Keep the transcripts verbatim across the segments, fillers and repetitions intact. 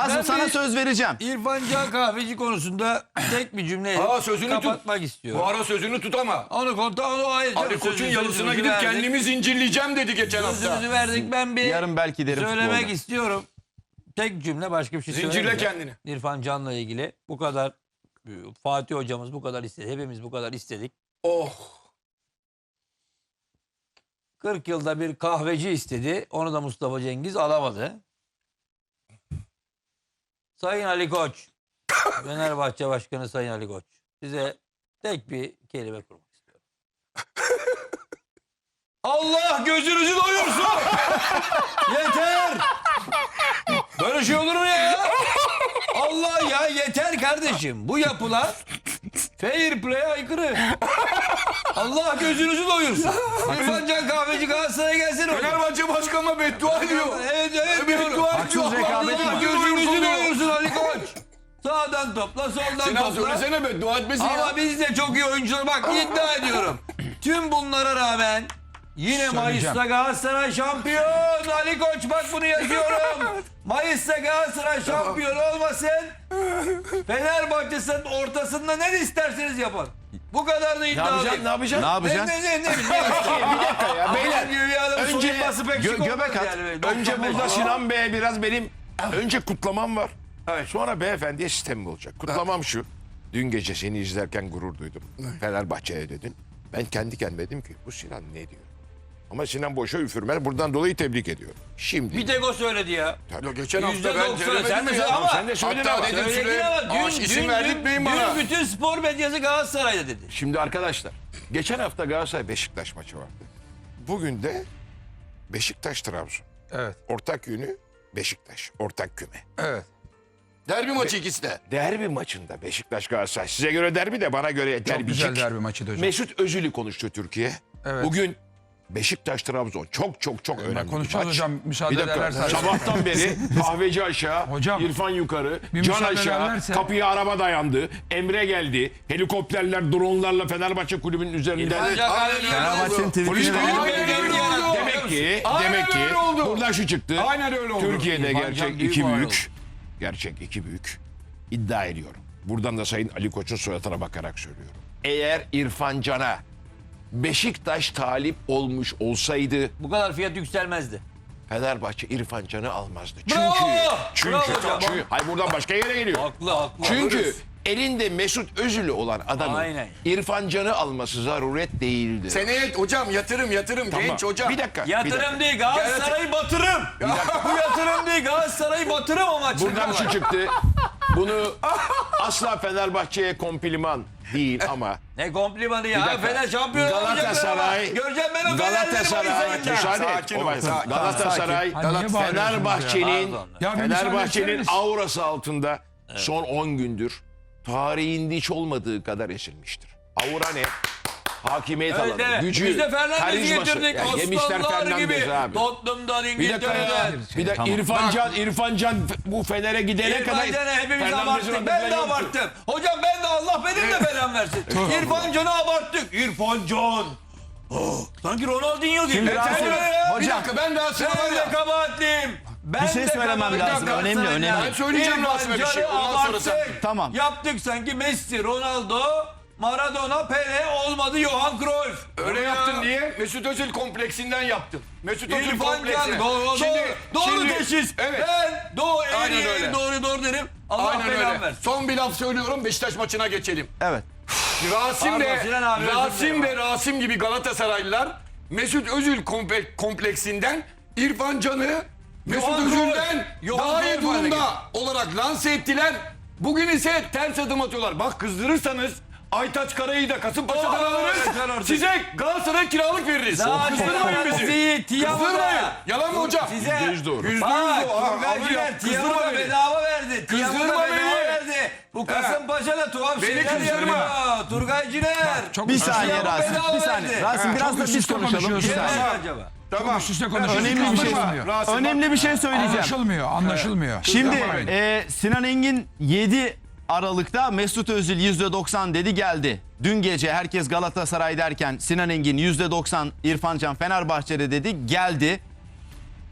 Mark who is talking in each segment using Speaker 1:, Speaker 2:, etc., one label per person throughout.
Speaker 1: Rasim
Speaker 2: Ben
Speaker 1: sana
Speaker 2: bir-
Speaker 1: söz vereceğim.
Speaker 2: İrfan Can Kahveci konusunda tek bir cümleyle
Speaker 3: Aa, sözünü tut.
Speaker 2: kapatmak istiyorum.
Speaker 3: Bu ara sözünü tut ama.
Speaker 2: Onu konta onu hayır.
Speaker 3: Ali Koç'un yalısına gidip kendimi zincirleyeceğim dedi geçen hafta.
Speaker 2: Sözümüzü verdik. Ben bir
Speaker 1: Yarın belki derim
Speaker 2: söylemek
Speaker 1: futbolda.
Speaker 2: istiyorum. Tek cümle, başka bir şey
Speaker 3: Zincirle
Speaker 2: söylemeyeceğim.
Speaker 3: kendini.
Speaker 2: İrfan Can'la ilgili bu kadar, Fatih hocamız bu kadar istedi. Hepimiz bu kadar istedik.
Speaker 3: Oh.
Speaker 2: kırk yılda bir kahveci istedi. Onu da Mustafa Cengiz alamadı. Sayın Ali Koç, Fenerbahçe Başkanı Sayın Ali Koç, size tek bir kelime kurmak istiyorum. Allah gözünüzü doyursun. Yeter. Böyle şey olur mu ya? Allah ya, yeter kardeşim. Bu yapılar fair play'e aykırı. Allah gözünüzü doyursun. İrfan Can Kahveci Galatasaray'a gelsin hocam.
Speaker 3: Fenerbahçe başkanıma beddua ediyor.
Speaker 2: Evet evet.
Speaker 3: Beddua ediyor.
Speaker 1: Haksız rekabet
Speaker 2: Allah
Speaker 1: mi?
Speaker 2: gözünüzü doyursun Ali Koç. Sağdan topla, soldan
Speaker 3: Sinan
Speaker 2: topla.
Speaker 3: söylesene beddua etmesin ya.
Speaker 2: Ama biz de çok iyi oyuncular. Bak iddia ediyorum. Tüm bunlara rağmen yine Mayıs'ta Galatasaray şampiyon. Ali Koç bak bunu yazıyorum. Mayıs'ta Galatasaray şampiyon olmasın. Fenerbahçe'nin ortasında ne isterseniz yapın. Bu kadar da
Speaker 4: Ne
Speaker 2: iddialıyım.
Speaker 4: yapacaksın? Ne yapacaksın?
Speaker 1: Ne yapacaksın?
Speaker 2: Ne ne ne ne ne
Speaker 4: Bir dakika ya beyler.
Speaker 2: Önce
Speaker 4: Önce
Speaker 2: pek
Speaker 4: gö
Speaker 2: şık olmaz
Speaker 4: göbek at.
Speaker 2: yani.
Speaker 4: Önce
Speaker 2: doksan beş.
Speaker 4: burada Sinan Bey'e biraz benim önce kutlamam var. Sonra beyefendiye sistemim olacak. Kutlamam şu. Dün gece seni izlerken gurur duydum. Fenerbahçe'ye dedin. Ben kendi kendime dedim ki bu Sinan ne diyor? Ama Sinan boşa üfürmez. Buradan dolayı tebrik ediyorum. Şimdi.
Speaker 2: Bir tek o söyledi ya.
Speaker 3: Ya geçen hafta
Speaker 2: Yüzde
Speaker 3: ben
Speaker 2: doksan.
Speaker 3: söylemedim
Speaker 2: Sen
Speaker 3: mi
Speaker 2: mesela
Speaker 3: ya?
Speaker 2: ama
Speaker 4: sen de söyledin
Speaker 3: Hatta
Speaker 4: ama.
Speaker 3: dedim
Speaker 2: Söyledin
Speaker 3: süre.
Speaker 2: ama
Speaker 3: Aa,
Speaker 2: dün,
Speaker 3: isim
Speaker 2: dün,
Speaker 3: verdirtmeyin
Speaker 2: dün,
Speaker 3: bana.
Speaker 2: dün bütün spor medyası Galatasaray'da dedi.
Speaker 4: Şimdi arkadaşlar. Geçen hafta Galatasaray Beşiktaş maçı vardı. Bugün de Beşiktaş Trabzon.
Speaker 3: Evet.
Speaker 4: Ortak yönü Beşiktaş. Ortak küme.
Speaker 3: Evet. Derbi maçı ikisi de.
Speaker 4: Derbi maçında Beşiktaş Galatasaray. Size göre derbi de bana göre
Speaker 5: Çok
Speaker 4: derbicik.
Speaker 5: güzel derbi maçıydı hocam.
Speaker 4: Mesut Özil'i konuştu Türkiye.
Speaker 5: Evet.
Speaker 4: Bugün Beşiktaş Trabzon çok çok çok önemli bir
Speaker 5: konuşacağız
Speaker 4: maç.
Speaker 5: hocam, müsaade
Speaker 4: Bir dakika,
Speaker 5: ederlerse.
Speaker 4: sabahtan beri kahveci aşağı,
Speaker 5: Hocam,
Speaker 4: İrfan yukarı,
Speaker 5: bir
Speaker 4: Can
Speaker 5: müsaade
Speaker 4: aşağı,
Speaker 5: ederlerse-
Speaker 4: kapıya araba dayandı, Emre geldi, helikopterler, dronlarla Fenerbahçe kulübünün üzerinden.
Speaker 2: İrfan Can
Speaker 3: Aynen
Speaker 2: Kahveci-
Speaker 3: öyle
Speaker 1: Fenerbahçe'nin
Speaker 3: oldu.
Speaker 1: tweetini
Speaker 3: Polis
Speaker 1: de-
Speaker 3: geliyor,
Speaker 2: Aynen
Speaker 3: geliyor,
Speaker 2: öyle
Speaker 3: geliyor.
Speaker 2: oldu.
Speaker 4: Demek ki,
Speaker 3: Aynen
Speaker 4: demek ki
Speaker 3: öyle oldu.
Speaker 4: buradan şu çıktı.
Speaker 3: Aynen öyle oldu.
Speaker 4: Türkiye'de
Speaker 2: İrfan Can
Speaker 4: gerçek
Speaker 2: büyük
Speaker 4: iki
Speaker 2: var
Speaker 4: büyük, gerçek iki büyük iddia ediyorum. Buradan da Sayın Ali Koç'un suratına bakarak söylüyorum. Eğer İrfan Can'a Beşiktaş talip olmuş olsaydı
Speaker 2: Bu kadar fiyat yükselmezdi.
Speaker 4: Fenerbahçe İrfan Can'ı almazdı. Çünkü
Speaker 2: Bravo!
Speaker 4: çünkü,
Speaker 2: Bravo hocam.
Speaker 4: çünkü hayır buradan başka yere geliyor.
Speaker 2: Haklı haklı.
Speaker 4: Çünkü elinde Mesut Özil'i olan adamın
Speaker 2: Aynen.
Speaker 4: İrfan Can'ı alması zaruret değildi.
Speaker 3: Seneye hocam yatırım yatırım
Speaker 4: Tamam.
Speaker 3: genç hocam.
Speaker 4: Bir dakika. bir dakika.
Speaker 2: Yatırım değil, Galatasaray'ı batırım. Bu yatırım değil, Galatasaray'ı batırım amaçlı.
Speaker 4: Buradan şu çıktı. Bunu asla Fenerbahçe'ye kompliman değil ama
Speaker 2: Ne komplimanı ya.
Speaker 4: Bir dakika.
Speaker 2: Fener şampiyon
Speaker 4: Galatasaray-
Speaker 2: olacak. Göreceğim ben o
Speaker 4: Galatasaray
Speaker 2: Fenerleri
Speaker 4: müsaade et.
Speaker 3: Sakin ol,
Speaker 4: Olmaz.
Speaker 3: sakin.
Speaker 4: Galatasaray
Speaker 5: Ha, niye bağırıyorsunuz
Speaker 4: Fenerbahçe'nin
Speaker 2: ya?
Speaker 5: Ya bir müsaade
Speaker 4: Fenerbahçe'nin
Speaker 5: etseniz.
Speaker 4: aurası altında son on gündür tarihinde hiç olmadığı kadar esilmiştir. Aura ne? Hakimiyet
Speaker 2: Evet,
Speaker 4: alanı,
Speaker 2: evet.
Speaker 4: gücü,
Speaker 2: Biz de Fernandez'i
Speaker 4: karizması.
Speaker 2: getirdik.
Speaker 4: Ya yemişler
Speaker 2: Aslanlar gibi.
Speaker 4: Fernandez abi.
Speaker 2: Tottenham'dan,
Speaker 4: Bir dakika ya.
Speaker 2: İngiltere'den.
Speaker 4: Bir de
Speaker 5: Tamam.
Speaker 4: İrfan Can, İrfan Can bu Fener'e gidene kadar
Speaker 2: İrfan Can'ı hepimiz
Speaker 4: Fernandez'in
Speaker 2: abarttık.
Speaker 4: adı
Speaker 2: Ben
Speaker 4: falan
Speaker 2: de
Speaker 4: yoktu.
Speaker 2: abarttım. Hocam ben de Allah benim de belamı versin. İrfan Can'ı abarttık. İrfan Can. Oh, sanki Ronaldinho gibi.
Speaker 1: Şimdi
Speaker 2: Ben
Speaker 1: Rasim,
Speaker 2: de ya.
Speaker 3: Bir
Speaker 1: hocam
Speaker 3: dakika ben daha sıra var
Speaker 2: Ben de
Speaker 3: ya.
Speaker 2: kabahatliyim. Ben
Speaker 1: Bir şey
Speaker 2: de
Speaker 1: söylemem
Speaker 2: kabahatliyim.
Speaker 1: lazım.
Speaker 2: Bir dakika,
Speaker 1: Önemli,
Speaker 2: sen-
Speaker 1: önemli.
Speaker 3: Ben söyleyeceğim
Speaker 2: İrfan
Speaker 3: Rasim'e bir şey.
Speaker 2: Can'ı
Speaker 3: Ondan sonra sen.
Speaker 2: abarttık.
Speaker 1: Tamam.
Speaker 2: Yaptık sanki Messi, Ronaldo, Maradona, Pele olmadı Johan Cruyff.
Speaker 3: Öyle
Speaker 2: Ya.
Speaker 3: yaptın niye? Mesut Özil kompleksinden yaptın. Mesut Özil
Speaker 2: İrfan Can
Speaker 3: kompleksine.
Speaker 2: doğru,
Speaker 3: Şimdi-
Speaker 2: doğru, doğru
Speaker 3: şimdi-
Speaker 2: teşhis.
Speaker 3: Evet.
Speaker 2: Ben doğru,
Speaker 3: Aynen
Speaker 2: eğri,
Speaker 3: öyle.
Speaker 2: eğri, doğru doğru derim. Allah
Speaker 3: Aynen
Speaker 2: belamı
Speaker 3: öyle.
Speaker 2: versin.
Speaker 3: Son bir laf söylüyorum Beşiktaş maçına geçelim.
Speaker 1: evet.
Speaker 3: Rasim
Speaker 2: Pardon,
Speaker 3: ve
Speaker 2: Sinan abi, özür
Speaker 3: Rasim
Speaker 2: dilerim.
Speaker 3: ve Rasim gibi Galatasaraylılar Mesut Özil komple- kompleksinden İrfan Can'ı Mesut
Speaker 2: Johan
Speaker 3: Özil'den
Speaker 2: Cruyff, Johan
Speaker 3: daha iyi
Speaker 2: Cruyff haline
Speaker 3: durumda olarak lanse ettiler. Bugün ise ters adım atıyorlar. Bak kızdırırsanız Aytaç Karay'ı da Kasımpaşa'dan
Speaker 2: Oh, yeter
Speaker 3: alırız.
Speaker 2: artık.
Speaker 3: Size Galatasaray kiralık veririz. Kızdırmayın bizi.
Speaker 2: Sizi Tiama'da.
Speaker 3: Kızdırmayın. Yalan mı hocam?
Speaker 2: Size
Speaker 4: Yüzde yüz doğru.
Speaker 3: Yüzde yüz
Speaker 2: Bak,
Speaker 3: doğru. Abi,
Speaker 2: Turgayciler
Speaker 3: abi, kızdırma
Speaker 2: Tiama'da
Speaker 3: beni.
Speaker 2: bedava verdi. Tiama'da
Speaker 3: Kızdırma
Speaker 2: bedava
Speaker 3: beni.
Speaker 2: verdi. Bu Kasımpaşa'da tuhaf
Speaker 3: Beni
Speaker 2: şeyler
Speaker 3: kızdırma.
Speaker 2: yapıyor. Turgayciler.
Speaker 5: Çok
Speaker 1: Bir
Speaker 5: üst üste-
Speaker 1: saniye
Speaker 2: Tiama
Speaker 1: Rasim.
Speaker 2: bedava
Speaker 1: Bir saniye.
Speaker 2: verdi.
Speaker 1: Rasim biraz da
Speaker 5: üst
Speaker 1: biz
Speaker 5: üste
Speaker 1: konuşalım. Bir
Speaker 5: konuşuyorsun.
Speaker 1: saniye.
Speaker 2: Kim acaba?
Speaker 3: Tamam.
Speaker 5: Üst üste konuşuyorsun.
Speaker 1: Önemli bir şey.
Speaker 5: Anlaşılmıyor.
Speaker 3: Rasim,
Speaker 1: Önemli bir şey söyleyeceğim.
Speaker 5: Anlaşılmıyor. Anlaşılmıyor.
Speaker 1: Şimdi
Speaker 3: Kızdırma beni.
Speaker 1: e, Sinan Engin yedi Aralık'ta Mesut Özil yüzde doksan dedi geldi. Dün gece herkes Galatasaray derken Sinan Engin yüzde doksan İrfan Can Fenerbahçe'de dedi geldi.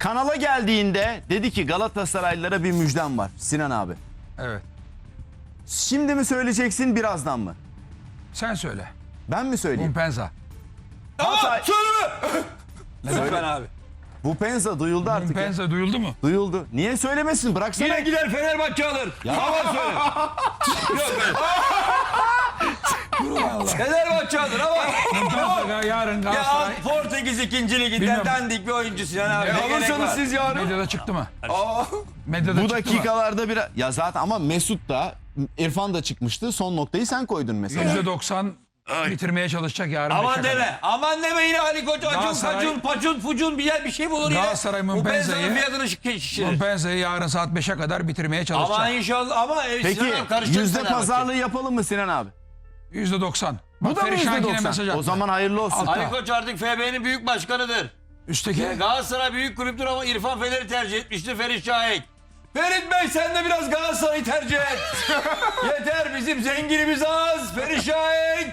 Speaker 1: kanala geldiğinde dedi ki Galatasaraylılara bir müjdem var Sinan abi.
Speaker 5: Evet.
Speaker 1: Şimdi mi söyleyeceksin birazdan mı?
Speaker 5: Sen söyle.
Speaker 1: Ben mi söyleyeyim?
Speaker 5: Bumpenza.
Speaker 1: Hatay,
Speaker 2: Söyleme. Lütfen abi.
Speaker 1: bu penza duyuldu artık. ya.
Speaker 5: Bumpenza duyuldu mu?
Speaker 1: Duyuldu. Niye söylemesin? Bıraksana.
Speaker 2: Yine gider Fenerbahçe alır. Ama söyle. Yok öyle. Fenerbahçe alır ama.
Speaker 5: Bumpenza yarın
Speaker 2: Ya
Speaker 5: Galatasaray
Speaker 2: Portekiz ikinci liginden
Speaker 5: Bilmiyorum.
Speaker 2: dandik bir oyuncu Sinan abi.
Speaker 3: E
Speaker 2: Ne gerek
Speaker 3: alırsanız
Speaker 2: var?
Speaker 3: siz yarın.
Speaker 5: medyada çıktı mı?
Speaker 3: Aa,
Speaker 5: Medyada
Speaker 1: Bu
Speaker 5: çıktı mı?
Speaker 1: dakikalarda bir ya zaten ama Mesut da İrfan da çıkmıştı. Son noktayı sen koydun mesela.
Speaker 5: yüzde doksan bitirmeye çalışacak yarın.
Speaker 2: Aman
Speaker 5: beşe kadar.
Speaker 2: deme. Aman deme yine Ali Koç. Acun
Speaker 5: Galatasaray-
Speaker 2: kacun pacun fucun bir yer bir şey bulur yine.
Speaker 5: Galatasaray
Speaker 2: Bu
Speaker 5: Mumpenza'yı-
Speaker 2: benzinin fiyatını şi- şişirir.
Speaker 5: Bumpenza'yı yarın saat beşe kadar bitirmeye çalışacak.
Speaker 2: Ama inşallah ama e,
Speaker 1: Peki
Speaker 2: Sinan abi karışacak
Speaker 1: yüzde
Speaker 2: Fenerbahçe.
Speaker 1: pazarlığı yapalım mı Sinan abi?
Speaker 5: yüzde doksan.
Speaker 1: Bu da mı yüzde doksan? O zaman hayırlı olsun.
Speaker 5: Altta.
Speaker 2: Ali Koç artık F B'nin büyük başkanıdır.
Speaker 5: Üstteki
Speaker 2: Galatasaray büyük kulüptür ama İrfan Fener'i tercih etmiştir Ferit Şahik. Ferit Bey sen de biraz Galatasaray'ı tercih et. Yeter bizim zenginimiz az. Ferit Şahik.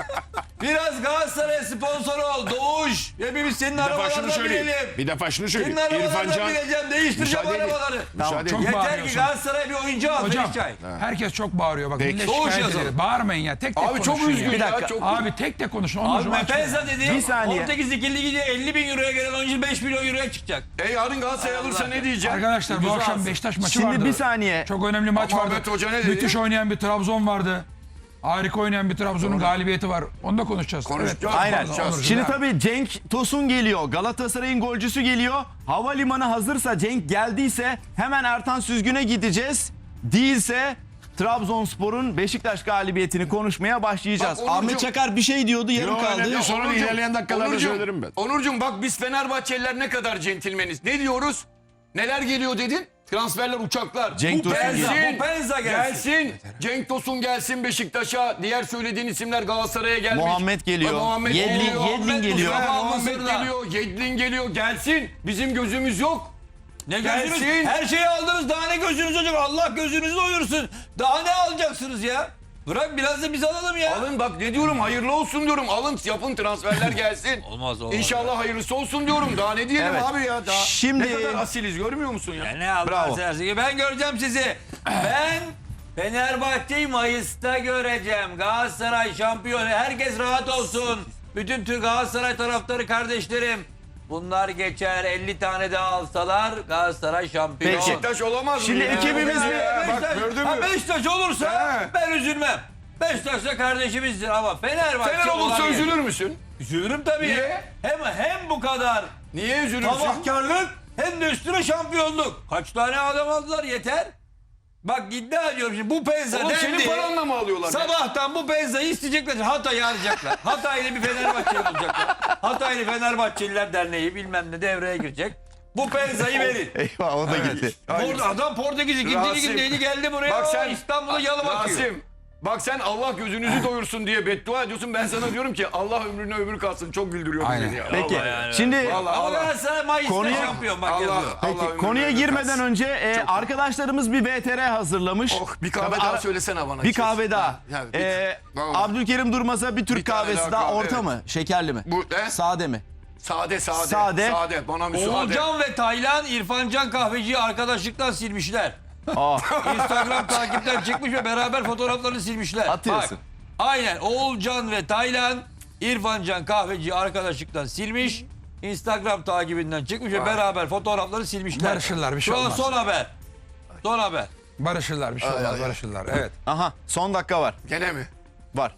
Speaker 2: Biraz Galatasaray sponsor ol. Doğuş. Hepimiz senin
Speaker 4: Bir defa şunu
Speaker 2: arabalarına
Speaker 4: söyleyeyim.
Speaker 2: binelim.
Speaker 4: Bir defa şunu
Speaker 2: Senin
Speaker 4: söyleyeyim. İrfan
Speaker 2: arabalarına
Speaker 4: Can.
Speaker 2: bineceğim. Değiştireceğim
Speaker 4: Müsaade edin.
Speaker 2: arabaları.
Speaker 4: Müsaade
Speaker 5: Çok
Speaker 4: edin.
Speaker 5: bağırıyorsun.
Speaker 2: Yeter ki Galatasaray bir oyuncu al
Speaker 5: Hocam
Speaker 2: Ferit Şahik.
Speaker 5: herkes çok bağırıyor bak. Millet
Speaker 2: Doğuş
Speaker 5: şikayet
Speaker 2: yazalım.
Speaker 5: ediyor. Bağırmayın ya. Tek tek
Speaker 3: abi çok
Speaker 5: konuşun
Speaker 3: üzgün
Speaker 5: ya.
Speaker 1: Bir dakika.
Speaker 3: ya. Çok
Speaker 5: Abi tek tek konuşun.
Speaker 2: Abi
Speaker 5: Onurcuğum açma.
Speaker 2: Mepenza dedi.
Speaker 1: Bir saniye.
Speaker 2: Portekiz ikinci liginde elli bin euroya gelen oyuncu beş milyon euroya çıkacak.
Speaker 3: E yarın Galatasaray alırsa ne diyeceğim?
Speaker 5: Arkadaşlar bu
Speaker 3: Güzel
Speaker 5: akşam
Speaker 3: alsın.
Speaker 5: Beşiktaş maçı
Speaker 1: Şimdi
Speaker 5: vardı.
Speaker 1: bir saniye.
Speaker 5: Çok önemli maç
Speaker 3: Ama
Speaker 5: vardı.
Speaker 3: Ahmet Hoca ne dedi?
Speaker 5: Müthiş oynayan bir Trabzon vardı. Harika oynayan bir Trabzon'un galibiyeti var. Onu da konuşacağız.
Speaker 3: Konuşacağız.
Speaker 5: Evet.
Speaker 1: Aynen.
Speaker 5: Pardon, Onurcuğum,
Speaker 1: Şimdi
Speaker 5: ya.
Speaker 1: tabii Cenk Tosun geliyor. Galatasaray'ın golcüsü geliyor. Havalimanı hazırsa, Cenk geldiyse hemen Ertan Süzgün'e gideceğiz. Değilse Trabzonspor'un Beşiktaş galibiyetini konuşmaya başlayacağız.
Speaker 3: Bak Onurcuğum-
Speaker 1: Ahmet Çakar bir şey diyordu, yarım
Speaker 4: Yok,
Speaker 1: kaldı.
Speaker 4: önemli değil. Sonra
Speaker 3: Onurcuğum,
Speaker 4: ilerleyen dakikalarda
Speaker 3: Onurcuğum,
Speaker 4: söylerim ben.
Speaker 3: Onurcuğum bak biz Fenerbahçeliler ne kadar centilmeniz. Ne diyoruz? Neler geliyor dedin? Transferler, uçaklar.
Speaker 1: Cenk Tosun
Speaker 2: Penza,
Speaker 3: gelsin.
Speaker 2: bu Penza gelsin.
Speaker 3: Gelsin. Cenk Tosun gelsin Beşiktaş'a. Diğer söylediğin isimler Galatasaray'a gelmiş.
Speaker 1: Muhammed geliyor.
Speaker 3: Ay, Muhammed
Speaker 1: Yedlin-
Speaker 3: geliyor.
Speaker 1: Yedlin
Speaker 3: Muhammed
Speaker 1: geliyor.
Speaker 3: Mustafa
Speaker 2: Muhammed
Speaker 3: Muhammed
Speaker 2: Mısır'da.
Speaker 3: geliyor. Yedlin geliyor. Gelsin. Bizim gözümüz yok.
Speaker 2: Ne
Speaker 3: Gelsin.
Speaker 2: gözünüz? Her şeyi aldınız. Daha ne gözünüz olacak? Allah gözünüzü doyursun. Daha ne alacaksınız ya? Bırak biraz da biz alalım ya.
Speaker 3: Alın bak ne diyorum, hayırlı olsun diyorum. Alın yapın, transferler gelsin.
Speaker 2: Olmaz, olmaz.
Speaker 3: İnşallah hayırlısı olsun diyorum. Daha ne diyelim
Speaker 1: Evet.
Speaker 3: abi ya. Daha
Speaker 1: Şimdi-
Speaker 3: ne kadar asiliz görmüyor musun ya?
Speaker 2: Ya ne Allah
Speaker 1: Bravo.
Speaker 2: seversen. Ben göreceğim sizi. Ben Fenerbahçe'yi Mayıs'ta göreceğim. Galatasaray şampiyon. Herkes rahat olsun. Bütün Türk Galatasaray taraftarı kardeşlerim. Bunlar geçer. elli tane daha alsalar Galatasaray şampiyon.
Speaker 1: Peki.
Speaker 3: Beşiktaş olamaz mı?
Speaker 1: Şimdi
Speaker 3: ya?
Speaker 1: ekibimiz
Speaker 3: Ya,
Speaker 1: bir-
Speaker 3: ya,
Speaker 2: Beşiktaş,
Speaker 3: bak gördün
Speaker 2: ha
Speaker 3: mü?
Speaker 2: Beşiktaş olursa
Speaker 3: He.
Speaker 2: ben üzülmem. Beşiktaş da kardeşimizdir ama Fenerbahçe
Speaker 3: Fener olursa
Speaker 2: olabilir.
Speaker 3: üzülür müsün?
Speaker 2: Üzülürüm tabii.
Speaker 3: Niye?
Speaker 2: Hem hem bu kadar
Speaker 3: Niye üzülürsün?
Speaker 2: sabahkarlık hem de üstüne şampiyonluk. Kaç tane adam aldılar yeter. Bak iddia ediyorum şimdi bu Penza
Speaker 3: Oğlum senin
Speaker 2: dendi.
Speaker 3: paranla mı alıyorlar?
Speaker 2: Sabahtan bu Penza'yı isteyecekler. Hatay'ı arayacaklar. Hataylı bir Fenerbahçeli bulacaklar. Hataylı Fenerbahçeliler Derneği bilmem ne devreye girecek. Bu Penza'yı verin.
Speaker 1: Eyvah o da gitti.
Speaker 2: Port- Adam Portekiz ikinci
Speaker 3: Rasim,
Speaker 2: ligindeydi geldi buraya.
Speaker 3: bak
Speaker 2: Bak
Speaker 3: sen-
Speaker 2: İstanbul'a yalı bakıyor.
Speaker 3: Rasim, bak sen Allah gözünüzü doyursun diye beddua ediyorsun. Ben sana diyorum ki Allah ömrüne ömür kalsın. Çok güldürüyordun
Speaker 5: Aynen.
Speaker 3: beni ya.
Speaker 1: Peki.
Speaker 2: yani.
Speaker 1: Şimdi
Speaker 3: Vallahi
Speaker 2: Ama
Speaker 3: Allah.
Speaker 2: Galatasaray Mayıs'ta
Speaker 1: Konuya-
Speaker 2: şampiyon bak
Speaker 3: Allah-
Speaker 2: yazıyor.
Speaker 3: Allah
Speaker 1: Peki
Speaker 3: ömrüne
Speaker 1: konuya
Speaker 3: ömür
Speaker 1: girmeden
Speaker 3: kalsın.
Speaker 1: önce e, arkadaşlarımız bir V T R hazırlamış.
Speaker 3: Oh, bir kahve
Speaker 1: Tabii
Speaker 3: daha
Speaker 1: ara-
Speaker 3: söylesene bana.
Speaker 1: Bir kahve daha.
Speaker 3: Ya, bir-
Speaker 1: Ee,
Speaker 3: Vallahi.
Speaker 1: Abdülkerim Durmaz'a bir Türk
Speaker 3: Bir tane
Speaker 1: kahvesi
Speaker 3: daha
Speaker 1: daha,
Speaker 3: kahve,
Speaker 1: orta
Speaker 3: evet.
Speaker 1: mı? Şekerli mi?
Speaker 3: Bu ne?
Speaker 1: Sade mi?
Speaker 3: Sade sade.
Speaker 1: Sade.
Speaker 3: Sade. Bana müsaade.
Speaker 2: Oğulcan ve Taylan İrfancan kahveciyi arkadaşlıktan silmişler.
Speaker 1: Aa,
Speaker 2: Instagram takipten çıkmış ve beraber fotoğraflarını silmişler.
Speaker 1: Atıyorsun.
Speaker 2: Bak, aynen Oğulcan ve Taylan İrfancan kahveciyi arkadaşlıktan silmiş. Instagram takibinden çıkmış ve beraber fotoğrafları silmişler.
Speaker 5: Barışırlar, bir şey
Speaker 2: Şu an
Speaker 5: olmaz.
Speaker 2: son haber. Son haber.
Speaker 5: Barışırlar bir şey olmaz barışırlar. Evet.
Speaker 1: aha son dakika var.
Speaker 3: Gene mi?
Speaker 1: Var.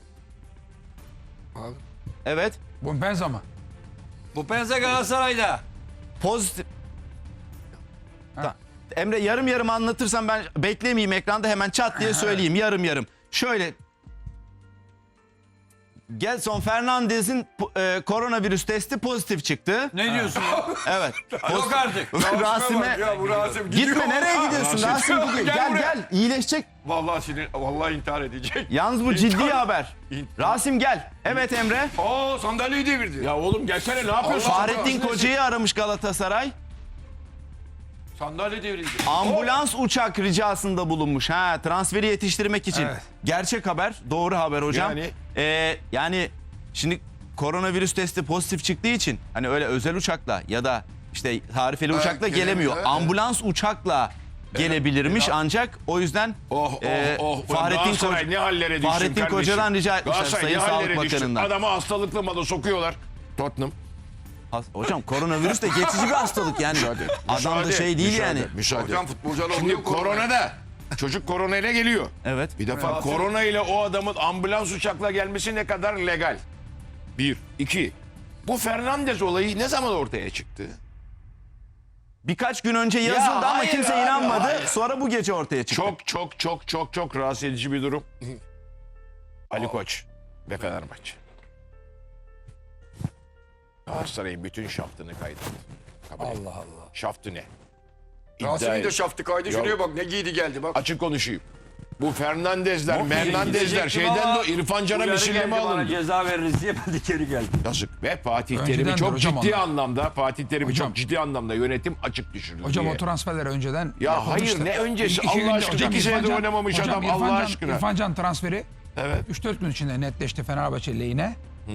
Speaker 3: Abi.
Speaker 1: Evet.
Speaker 5: Bumpenza mı?
Speaker 2: Bu Penza Galatasaray'da.
Speaker 1: Pozitif. Ta- Emre yarım yarım anlatırsam ben beklemeyeyim ekranda hemen çat diye söyleyeyim yarım yarım. Şöyle Gelson Fernandez'in e, koronavirüs testi pozitif çıktı.
Speaker 2: Ne diyorsun ya?
Speaker 1: Evet.
Speaker 2: Yok artık.
Speaker 1: Rasim'e
Speaker 3: Ya bu Rasim gidiyor.
Speaker 1: gitme nereye gidiyorsun Rasim gidiyor.
Speaker 3: Gel
Speaker 1: Gel
Speaker 3: buraya.
Speaker 1: gel iyileşecek.
Speaker 3: Vallahi sinir, vallahi intihar edecek.
Speaker 1: Yalnız bu ciddi
Speaker 3: İntihar-
Speaker 1: haber.
Speaker 3: İntihar.
Speaker 1: Rasim gel. Evet Emre.
Speaker 3: Aa sandalyeyi devirdi.
Speaker 4: Ya oğlum gelsene ne yapıyorsun?
Speaker 3: Allah-
Speaker 1: Fahrettin Koca'yı aramış Galatasaray.
Speaker 3: Sandalye devrildi.
Speaker 1: Ambulans uçak ricasında bulunmuş. Ha, transferi yetiştirmek için.
Speaker 5: Evet.
Speaker 1: Gerçek haber, doğru haber hocam.
Speaker 4: Yani?
Speaker 1: Ee, yani şimdi koronavirüs testi pozitif çıktığı için hani öyle özel uçakla ya da işte tarifeli uçakla
Speaker 3: gelemiyor,
Speaker 1: gelemiyor.
Speaker 3: evet.
Speaker 1: Ambulans uçakla gelebilirmiş ancak o yüzden
Speaker 4: Oh oh
Speaker 1: e,
Speaker 4: oh.
Speaker 1: Fahrettin,
Speaker 4: Galatasaray
Speaker 1: Koca-
Speaker 4: ne hallere düşsün
Speaker 1: Fahrettin
Speaker 4: kardeşim.
Speaker 1: Koca'dan rica etmişler
Speaker 4: Galatasaray
Speaker 1: Sayın
Speaker 4: ne
Speaker 1: Sağlık
Speaker 4: hallere düşsün.
Speaker 1: Bakanı'ndan.
Speaker 4: Adamı hastalıklı malı sokuyorlar. Tottenham.
Speaker 1: Has- Hocam koronavirüs de geçici bir hastalık yani.
Speaker 4: Müsaade.
Speaker 1: Adam da
Speaker 4: müsaade,
Speaker 1: şey değil
Speaker 4: müsaade,
Speaker 1: yani.
Speaker 4: Müsaade.
Speaker 3: Hocam futbolcular
Speaker 4: Şimdi
Speaker 3: oluyor korona.
Speaker 4: korona da çocuk korona ile geliyor.
Speaker 1: Evet.
Speaker 4: Bir defa korona ile o adamın ambulans uçakla gelmesi ne kadar legal? Bir. iki. Bu Fernandez olayı ne zaman ortaya çıktı?
Speaker 1: Birkaç gün önce yazıldı ama
Speaker 4: hayır
Speaker 1: kimse
Speaker 4: abi,
Speaker 1: inanmadı.
Speaker 4: hayır.
Speaker 1: Sonra bu gece ortaya çıktı.
Speaker 4: Çok çok çok çok çok rahatsız edici bir durum. Ali Koç ve Fenerbahçe. Galatasaray'ın bütün şaftını kaydetti. Allah Allah. Şaftı ne?
Speaker 3: Rasim'in de
Speaker 4: İddia-
Speaker 3: şaftı kaydı.
Speaker 4: Ya-
Speaker 3: Şuraya bak ne giydi geldi bak.
Speaker 4: Açık konuşayım. Bu Fernandezler, Mernandezler
Speaker 2: gidecektim
Speaker 4: şeyden
Speaker 2: ama
Speaker 4: de İrfan Can'a
Speaker 2: Uyarı
Speaker 4: misilleme
Speaker 2: geldi bana,
Speaker 4: alındı.
Speaker 2: ceza veririz diye ben de geri geldim.
Speaker 4: Yazık. Ve Fatih
Speaker 5: Öncedendir
Speaker 4: Terim'i çok
Speaker 5: hocam
Speaker 4: ciddi
Speaker 5: onlar.
Speaker 4: anlamda Fatih Terim'i
Speaker 5: Hocam.
Speaker 4: çok ciddi anlamda yönetim açık düşürdü
Speaker 5: Hocam
Speaker 4: diye.
Speaker 5: o transferler önceden
Speaker 4: Ya
Speaker 5: yapılmıştı.
Speaker 4: hayır, ne öncesi?
Speaker 5: İki- iki
Speaker 4: Allah
Speaker 5: günde-
Speaker 4: aşkına,
Speaker 5: hocam
Speaker 4: iki
Speaker 5: İrfan
Speaker 4: senede
Speaker 5: Can-
Speaker 4: oynamamış
Speaker 5: hocam
Speaker 4: adam,
Speaker 5: İrfan
Speaker 4: Allah
Speaker 5: Can-
Speaker 4: aşkına.
Speaker 5: İrfan Can transferi
Speaker 4: Evet.
Speaker 5: üç dört gün içinde netleşti Fenerbahçe lehine.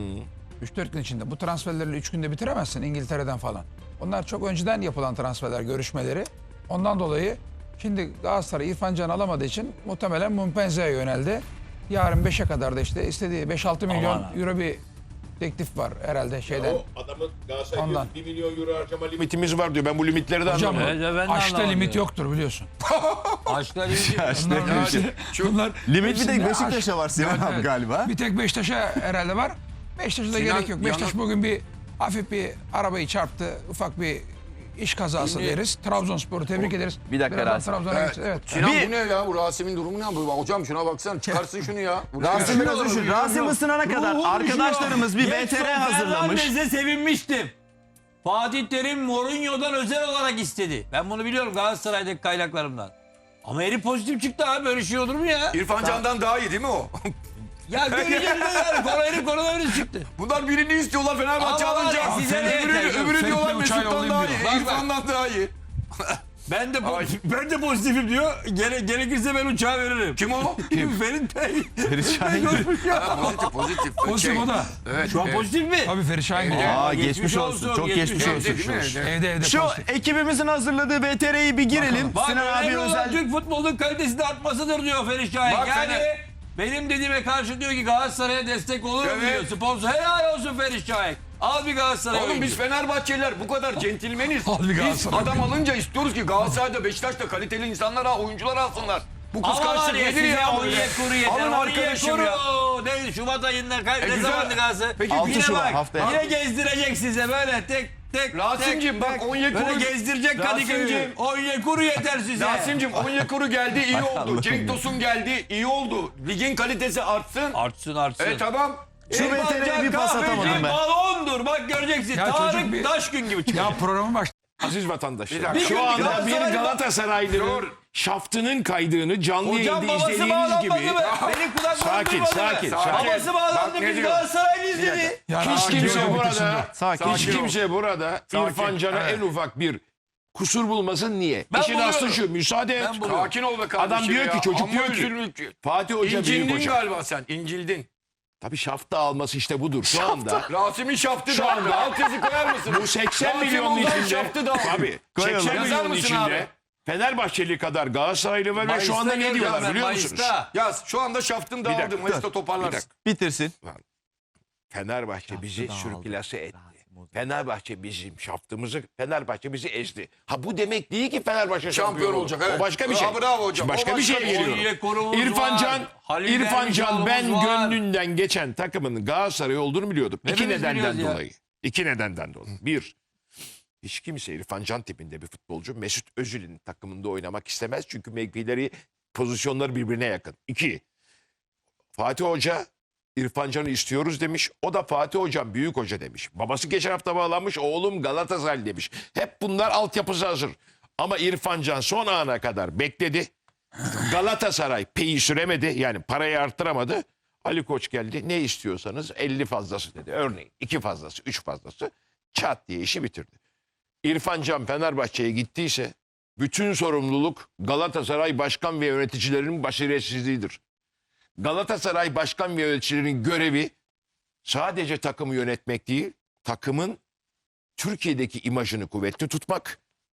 Speaker 5: üç dört gün içinde. Bu transferleri üç günde bitiremezsin İngiltere'den falan. Onlar çok önceden yapılan transferler, görüşmeleri. Ondan dolayı şimdi Galatasaray İrfan Can alamadığı için muhtemelen Mumpenze'ye yöneldi. Yarın beşe kadar da işte istediği beş altı milyon
Speaker 2: Aman
Speaker 5: euro bir teklif var herhalde şeyden.
Speaker 4: O adamın Galatasaray'da
Speaker 5: Ondan.
Speaker 4: bir milyon euro harcama limitimiz var diyor. Ben bu limitleri de
Speaker 5: Hocam
Speaker 4: anlamadım.
Speaker 2: Evet, ben de
Speaker 5: aşkta
Speaker 2: anlamadım
Speaker 5: limit
Speaker 2: ya.
Speaker 5: yoktur biliyorsun.
Speaker 2: Aşklar iyi.
Speaker 5: Bunlar, bunlar
Speaker 1: Limit bir
Speaker 5: hepsinde
Speaker 1: tek Beşiktaş'a
Speaker 5: aşk-
Speaker 1: var Sinan abi
Speaker 5: Evet.
Speaker 1: galiba.
Speaker 5: Bir tek Beşiktaş'a herhalde var. Beşiktaş'a da
Speaker 3: Sinan,
Speaker 5: gerek yok. Beşiktaş
Speaker 3: yalnız-
Speaker 5: bugün bir hafif bir arabayı çarptı. Ufak bir iş kazası
Speaker 2: Şimdi-
Speaker 5: deriz. Trabzonspor'u tebrik ederiz.
Speaker 1: Bir dakika
Speaker 5: Birazdan
Speaker 1: Rasim.
Speaker 5: Trabzon'a
Speaker 3: Evet.
Speaker 5: geçeceğiz. Evet.
Speaker 3: Sinan
Speaker 1: Bir-
Speaker 3: bu ne ya? Bu Rasim'in durumu ne? Bu, hocam şuna baksana. Çıkarsın şunu ya. Bu ne
Speaker 1: Rasim
Speaker 3: ya?
Speaker 1: biraz düşün. Rasim ısınana kadar arkadaşlarımız bir V T R hazırlamış.
Speaker 2: Fernandez'e sevinmiştim. Fatih Terim Mourinho'dan özel olarak istedi. Ben bunu biliyorum Galatasaray'daki kaynaklarımdan. Ama herif pozitif çıktı abi, böyle şey olur mu ya?
Speaker 3: İrfan Can'dan daha iyi değil mi o?
Speaker 2: Ya göreceğiz de yani konu herif koronavirüs çıktı.
Speaker 3: Bunlar birini istiyorlar Fenerbahçe
Speaker 2: Ama var
Speaker 3: alınca.
Speaker 2: ya, size ne
Speaker 3: Öbürü,
Speaker 2: yeter?
Speaker 3: öbürü
Speaker 5: Fake
Speaker 3: diyorlar
Speaker 5: bir uçağı
Speaker 3: Mesut'tan daha
Speaker 5: yollayayım
Speaker 3: iyi.
Speaker 2: diyor. Bak,
Speaker 3: İrfan'dan daha iyi.
Speaker 2: Ben de ben de pozitifim diyor. Gere, gerekirse ben uçağı veririm.
Speaker 3: Kim o?
Speaker 2: Kim? Ferit Bey.
Speaker 1: Ferit Şahin.
Speaker 3: Ha, pozitif pozitif.
Speaker 5: Pozitif o da.
Speaker 3: Evet.
Speaker 2: Şu an
Speaker 3: evet.
Speaker 2: pozitif mi?
Speaker 5: Tabii Ferit Şahin de.
Speaker 1: Aa
Speaker 2: Geçmiş
Speaker 1: geçmiş olsun.
Speaker 2: olsun,
Speaker 1: Çok
Speaker 2: geçmiş
Speaker 1: geçmiş
Speaker 2: olsun.
Speaker 1: olsun.
Speaker 3: Değil mi? Evet.
Speaker 5: Evde evde
Speaker 1: Şu
Speaker 5: pozitif.
Speaker 1: ekibimizin hazırladığı V T R'yi bir girelim.
Speaker 2: Bak
Speaker 1: Sinan abi
Speaker 2: önemli olan
Speaker 1: özel.
Speaker 2: Türk futbolunun kalitesinin artmasıdır diyor Ferit Şahin.
Speaker 3: Bak
Speaker 2: yani
Speaker 3: Fener-
Speaker 2: benim dediğime karşı diyor ki Galatasaray'a destek olur mu
Speaker 3: Evet.
Speaker 2: diyor. Sponsor helal olsun Ferit Şahin. Al bir Galatasaray
Speaker 3: Oğlum
Speaker 2: oyuncu.
Speaker 3: biz Fenerbahçeliler bu kadar centilmeniz.
Speaker 5: Al bir
Speaker 3: Biz
Speaker 5: Galatasaray
Speaker 3: adam alınca istiyoruz ki Galatasaray'da Beşiktaş'ta kaliteli insanlar al, oyuncular alsınlar. Bu
Speaker 2: Ama var
Speaker 3: kıskançlık
Speaker 2: ya
Speaker 3: nedir
Speaker 2: size
Speaker 3: ya
Speaker 2: Onyekuru
Speaker 3: böyle?
Speaker 2: yeter.
Speaker 3: Alın arkadaşım ya.
Speaker 2: Onyekuru. Ne Şubat ayında kay-
Speaker 3: E
Speaker 2: ne
Speaker 3: güzel.
Speaker 2: zamandı Galatasaray?
Speaker 3: Peki
Speaker 1: Altı
Speaker 2: Yine
Speaker 1: Şubat,
Speaker 2: bak,
Speaker 1: haftaya.
Speaker 2: Yine gezdirecek size böyle tek tek
Speaker 3: Rasim'cim,
Speaker 2: tek,
Speaker 3: bak
Speaker 2: tek.
Speaker 3: Onyekuru-
Speaker 2: Böyle gezdirecek
Speaker 3: Rasim'cim.
Speaker 2: Kadıköy'ü. Onyekuru yeter size.
Speaker 3: Rasim'cim Onyekuru geldi iyi oldu. Cenk Tosun geldi iyi oldu. Ligin kalitesi artsın.
Speaker 2: Artsın artsın.
Speaker 3: E tamam.
Speaker 1: Şu
Speaker 2: İrfan
Speaker 1: V T R'ye
Speaker 2: Can
Speaker 1: bir pas
Speaker 2: Kahveci
Speaker 1: atamadım ben.
Speaker 2: balondur bak göreceksin.
Speaker 5: Ya
Speaker 2: Tarık
Speaker 5: çocuk bir-
Speaker 2: Taşgün gibi çıkacak.
Speaker 5: Ya programın baş.
Speaker 4: Aziz vatandaşlar.
Speaker 2: Bir
Speaker 4: Şu
Speaker 2: gün
Speaker 4: anda bir
Speaker 2: Galatasaray-
Speaker 4: Galatasaraylı'nın şaftının kaydığını canlı
Speaker 2: Hocam
Speaker 4: yayında
Speaker 2: babası
Speaker 4: izlediğiniz
Speaker 2: bağlanmadı
Speaker 4: gibi.
Speaker 2: mı? Benim kulaklarım
Speaker 4: Sakin,
Speaker 2: duymadı
Speaker 4: sakin,
Speaker 2: mı?
Speaker 4: sakin.
Speaker 2: Babası bağlandı
Speaker 3: Bak ne
Speaker 2: biz
Speaker 3: diyor?
Speaker 2: Galatasaraylıyız dedi.
Speaker 5: Ya
Speaker 4: Hiç
Speaker 5: Rasim
Speaker 4: kimse
Speaker 5: diyor,
Speaker 4: burada,
Speaker 1: Sakin.
Speaker 4: hiç kimse burada İrfan Can'a en ufak bir kusur bulmasın. Niye?
Speaker 2: Ben
Speaker 4: İşin aslı
Speaker 2: buluyorum.
Speaker 4: şu, müsaade et.
Speaker 2: Ben buluyorum.
Speaker 3: Sakin ol be kardeşim
Speaker 4: Adam diyor
Speaker 3: ya.
Speaker 4: ki, çocuk
Speaker 3: Amma
Speaker 4: diyor ki,
Speaker 3: üzülmüş.
Speaker 4: Fatih Hoca büyük
Speaker 3: İncildin
Speaker 4: hoca.
Speaker 3: galiba sen. İncildin.
Speaker 4: Tabii şafta alması işte budur. Şu anda
Speaker 3: Rasim'in şaftı
Speaker 4: Şu
Speaker 3: da
Speaker 4: anda-
Speaker 3: alt yazı koyar mısın?
Speaker 4: bu seksen
Speaker 3: Rasim
Speaker 4: milyonun
Speaker 3: Ozan
Speaker 4: içinde
Speaker 3: şaftı da.
Speaker 4: tabii
Speaker 1: Koyalım.
Speaker 4: seksen
Speaker 3: Yazar
Speaker 4: milyonun
Speaker 3: mısın
Speaker 4: içinde
Speaker 3: abi?
Speaker 4: Fenerbahçeli kadar Galatasaraylı var ve şu
Speaker 2: Mayıs'ta
Speaker 4: anda ne
Speaker 2: geleceğim
Speaker 4: diyorlar
Speaker 2: ben,
Speaker 4: biliyor
Speaker 2: Mayıs'ta.
Speaker 4: musunuz?
Speaker 3: Yaz şu anda şaftın
Speaker 4: dakika,
Speaker 3: dağıldı. Mayıs'ta
Speaker 4: Bir
Speaker 3: toparlarsın.
Speaker 4: dakika.
Speaker 1: Bitirsin.
Speaker 4: Fenerbahçe bizi sürklase etti. Fenerbahçe bizim şaftımızı, Fenerbahçe bizi ezdi. Ha bu demek değil ki Fenerbahçe şampiyon,
Speaker 3: Şampiyon
Speaker 4: olur.
Speaker 3: olacak, evet.
Speaker 4: O başka bir şey.
Speaker 3: Ha, bravo hocam.
Speaker 4: Şimdi başka
Speaker 3: O
Speaker 4: bir
Speaker 3: başka
Speaker 4: şeye
Speaker 3: bir şey.
Speaker 4: geliyorum.
Speaker 2: Onyekuru'muz
Speaker 4: İrfan
Speaker 2: var,
Speaker 4: Can,
Speaker 2: Halil
Speaker 4: İrfan Can ben
Speaker 2: Dervişoğlu'muz var.
Speaker 4: gönlünden geçen takımın Galatasaray olduğunu biliyordum. İki
Speaker 2: Hepimiz
Speaker 4: nedenden
Speaker 2: biliyoruz ya.
Speaker 4: dolayı. İki nedenden dolayı. Bir, hiç kimse İrfan Can tipinde bir futbolcu Mesut Özil'in takımında oynamak istemez. Çünkü mevkileri, pozisyonları birbirine yakın. İki, Fatih Hoca İrfan Can'ı istiyoruz demiş. O da Fatih Hocam büyük hoca demiş. Babası geçen hafta bağlanmış. Oğlum Galatasaray demiş. Hep bunlar altyapısı hazır. Ama İrfan Can son ana kadar bekledi. Galatasaray peyi süremedi. Yani parayı arttıramadı. Ali Koç geldi. Ne istiyorsanız elli fazlası dedi. Örneğin iki fazlası, üç fazlası. Çat diye işi bitirdi. İrfan Can Fenerbahçe'ye gittiyse bütün sorumluluk Galatasaray başkan ve yöneticilerinin basiretsizliğidir. Galatasaray başkan ve yöneticilerinin görevi sadece takımı yönetmek değil, takımın Türkiye'deki imajını kuvvetli tutmak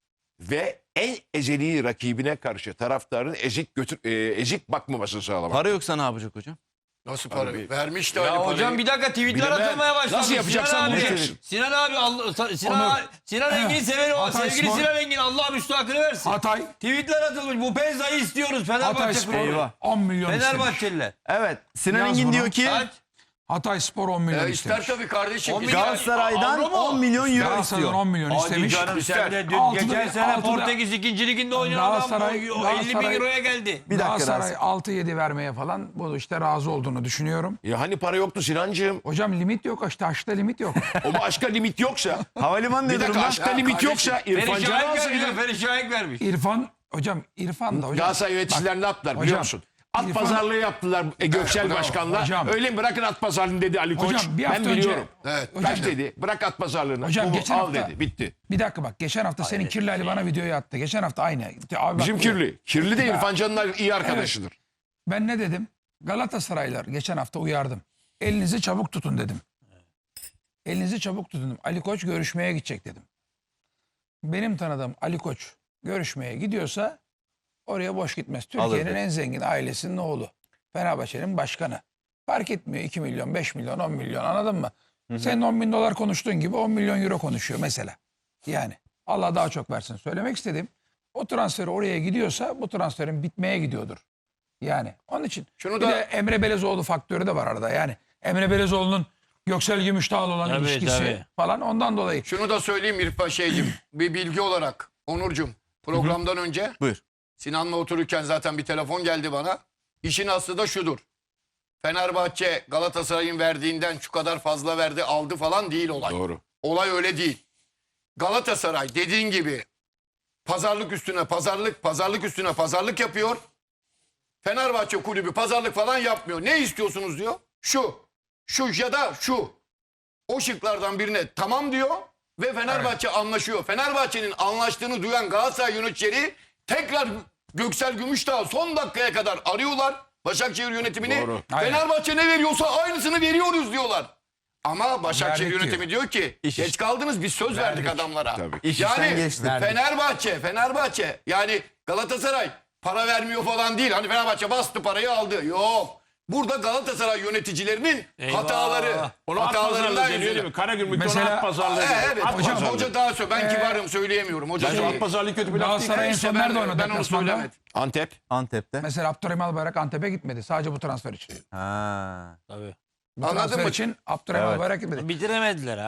Speaker 4: ve en ezeli rakibine karşı taraftarın ezik götür, e, ezik bakmamasını sağlamak.
Speaker 1: Para yoksa ne yapacak hocam?
Speaker 6: Nasıl para?
Speaker 4: Abi,
Speaker 6: Vermiş de
Speaker 2: Ya
Speaker 6: Ali
Speaker 2: hocam
Speaker 6: parayı.
Speaker 2: bir dakika tweetler
Speaker 4: Bilemem.
Speaker 2: atılmaya başladı.
Speaker 4: Nasıl yapacaksan
Speaker 2: Sinan
Speaker 4: bunu
Speaker 2: abi,
Speaker 4: yapacaksın.
Speaker 2: Sinan abi, Allah, Sinan,
Speaker 5: Onu-
Speaker 2: Sinan Engin'i severim ama
Speaker 5: Hatay
Speaker 2: sevgili
Speaker 5: Spor-
Speaker 2: Sinan Engin Allah müstahakını versin.
Speaker 5: Hatay,
Speaker 2: Tweetler atılmış. Bu Penza'yı istiyoruz
Speaker 5: Hatay
Speaker 2: Fenerbahçe
Speaker 5: Spor
Speaker 2: kulübü.
Speaker 1: Eyvah.
Speaker 5: on milyon istemiş.
Speaker 2: Fenerbahçeliler.
Speaker 1: Evet. Sinan
Speaker 5: Yaz
Speaker 1: Engin
Speaker 5: bunu.
Speaker 1: diyor ki
Speaker 2: Kaç?
Speaker 5: Hatay Spor on milyon
Speaker 6: E, ister
Speaker 5: istemiş.
Speaker 6: tabii kardeşim.
Speaker 2: On
Speaker 6: Biz-
Speaker 2: milyon-
Speaker 1: Galatasaray'dan
Speaker 2: Avro mu?
Speaker 1: on milyon euro
Speaker 5: Galatasaray'dan
Speaker 1: istiyor.
Speaker 5: on milyon
Speaker 2: Hadi
Speaker 5: istemiş.
Speaker 2: canım sen de dün
Speaker 5: Altıda-
Speaker 2: geçen sene
Speaker 5: altıda-
Speaker 2: Portekiz ikinci liginde oynayan adam
Speaker 5: Galatasaray-
Speaker 2: o elli bin
Speaker 5: Galatasaray-
Speaker 2: euroya geldi.
Speaker 1: Bir dakika
Speaker 5: Galatasaray
Speaker 1: Rasim.
Speaker 5: altı yedi vermeye falan bu işte razı olduğunu düşünüyorum.
Speaker 4: Ya hani para yoktu Sinancığım?
Speaker 5: Hocam limit yok işte aşkta limit yok.
Speaker 4: Ama aşka limit yoksa,
Speaker 1: Havalimanı
Speaker 4: bir
Speaker 1: ne
Speaker 4: dakika
Speaker 1: durumda?
Speaker 4: aşka
Speaker 6: Ya
Speaker 4: limit
Speaker 6: kardeşim,
Speaker 4: yoksa İrfan
Speaker 2: Feri
Speaker 4: Can'ı
Speaker 2: Şahik vermiş.
Speaker 4: alsaydı.
Speaker 2: Feri Şahik vermiş.
Speaker 5: İrfan hocam İrfan da hocam.
Speaker 4: Galatasaray yöneticiler ne yaptılar biliyor
Speaker 5: hocam,
Speaker 4: musun? At
Speaker 5: İrfan-
Speaker 4: pazarlığı yaptılar e, Göksel
Speaker 6: bravo.
Speaker 4: Başkan'la.
Speaker 5: Hocam.
Speaker 4: Öyle mi bırakın at pazarlığını dedi Ali Koç.
Speaker 5: Hocam, bir
Speaker 4: Ben
Speaker 5: hafta önce-
Speaker 4: biliyorum.
Speaker 6: Evet.
Speaker 4: Kaç dedi? Bırak at pazarlığını.
Speaker 5: Hocam,
Speaker 4: Bu,
Speaker 5: geçen
Speaker 4: al
Speaker 5: hafta-
Speaker 4: dedi. Bitti.
Speaker 5: Bir dakika bak geçen hafta senin Kirli Ali bana videoyu attı. Geçen hafta aynı. Abi bak,
Speaker 4: Bizim Kirli. Kirli de
Speaker 5: Ya.
Speaker 4: İrfan Can'la iyi arkadaşıdır.
Speaker 5: Ben ne dedim? Galatasaraylar geçen hafta uyardım. Elinizi çabuk tutun dedim. Elinizi çabuk tutun dedim. Ali Koç görüşmeye gidecek dedim. Benim tanıdığım Ali Koç görüşmeye gidiyorsa oraya boş gitmez. Türkiye'nin
Speaker 1: Alır.
Speaker 5: en zengin ailesinin oğlu. Fenerbahçe'nin başkanı. Fark etmiyor iki milyon, beş milyon, on milyon anladın mı? Senin on bin dolar konuştuğun gibi on milyon euro konuşuyor mesela. Yani Allah daha çok versin. Söylemek istediğim o transferi oraya gidiyorsa bu transferin bitmeye gidiyordur. Yani onun için.
Speaker 6: Şunu
Speaker 5: bir
Speaker 6: da-
Speaker 5: de Emre Belezoğlu faktörü de var arada. Yani Emre Belezoğlu'nun Göksel Gümüşdağ'la olan
Speaker 2: Tabii,
Speaker 5: ilişkisi
Speaker 2: tabii.
Speaker 5: falan ondan dolayı.
Speaker 6: Şunu da söyleyeyim İrfan şeycim. Bir bilgi olarak. Onurcuğum. Programdan önce
Speaker 1: Buyur.
Speaker 6: Sinan'la otururken zaten bir telefon geldi bana. İşin aslı da şudur. Fenerbahçe Galatasaray'ın verdiğinden şu kadar fazla verdi aldı falan değil olay.
Speaker 4: Doğru.
Speaker 6: Olay öyle değil. Galatasaray dediğin gibi pazarlık üstüne pazarlık, pazarlık üstüne pazarlık yapıyor. Fenerbahçe kulübü pazarlık falan yapmıyor. Ne istiyorsunuz diyor. Şu, şu ya da şu. O şıklardan birine tamam diyor ve Fenerbahçe anlaşıyor. Fenerbahçe'nin anlaştığını duyan Galatasaray yöneticileri tekrar Göksel Gümüşdağ son dakikaya kadar arıyorlar Başakşehir yönetimini.
Speaker 4: Doğru.
Speaker 5: Aynen.
Speaker 6: Fenerbahçe ne veriyorsa aynısını veriyoruz diyorlar. Ama Başakşehir
Speaker 5: Verdik
Speaker 6: yönetimi diyor ki
Speaker 1: İş
Speaker 6: geç
Speaker 1: iş.
Speaker 6: kaldınız biz söz verdik adamlara.
Speaker 4: Tabii.
Speaker 1: İş işten
Speaker 6: Yani
Speaker 1: geçti.
Speaker 6: Fenerbahçe, Fenerbahçe yani Galatasaray para vermiyor falan değil. Hani Fenerbahçe bastı parayı aldı. Yok. Burada Galatasaray yöneticilerinin
Speaker 2: Eyvah.
Speaker 6: hataları.
Speaker 4: Onu at pazarlığı
Speaker 6: hatalarından
Speaker 4: deniyor değil mi?
Speaker 6: yüzünden.
Speaker 4: Karagümrük'te
Speaker 5: Mesela-
Speaker 4: ona at pazarlığı
Speaker 6: Ee,
Speaker 4: deniyor.
Speaker 6: evet
Speaker 4: At
Speaker 6: hocam,
Speaker 4: pazarlığı.
Speaker 6: hoca daha söyle. Ben kibarım söyleyemiyorum. Hoca
Speaker 4: Bence
Speaker 6: şey-
Speaker 4: at pazarlığı kötü bir laf değil.
Speaker 5: Galatasaray en
Speaker 6: İşte
Speaker 5: son
Speaker 6: ben,
Speaker 5: nerede oynadı
Speaker 6: ben onu
Speaker 5: deplasmanda?
Speaker 6: söylemedim.
Speaker 4: Antep.
Speaker 1: Antep'te.
Speaker 5: Mesela Abdurrahim Albayrak Antep'e gitmedi. Sadece bu transfer için.
Speaker 1: Ha.
Speaker 2: Tabii.
Speaker 5: Bu
Speaker 6: Anladın
Speaker 5: transfer
Speaker 6: mı?
Speaker 5: için Abdurrahim
Speaker 1: Evet.
Speaker 5: Albayrak gitmedi.
Speaker 2: Bitiremediler ha.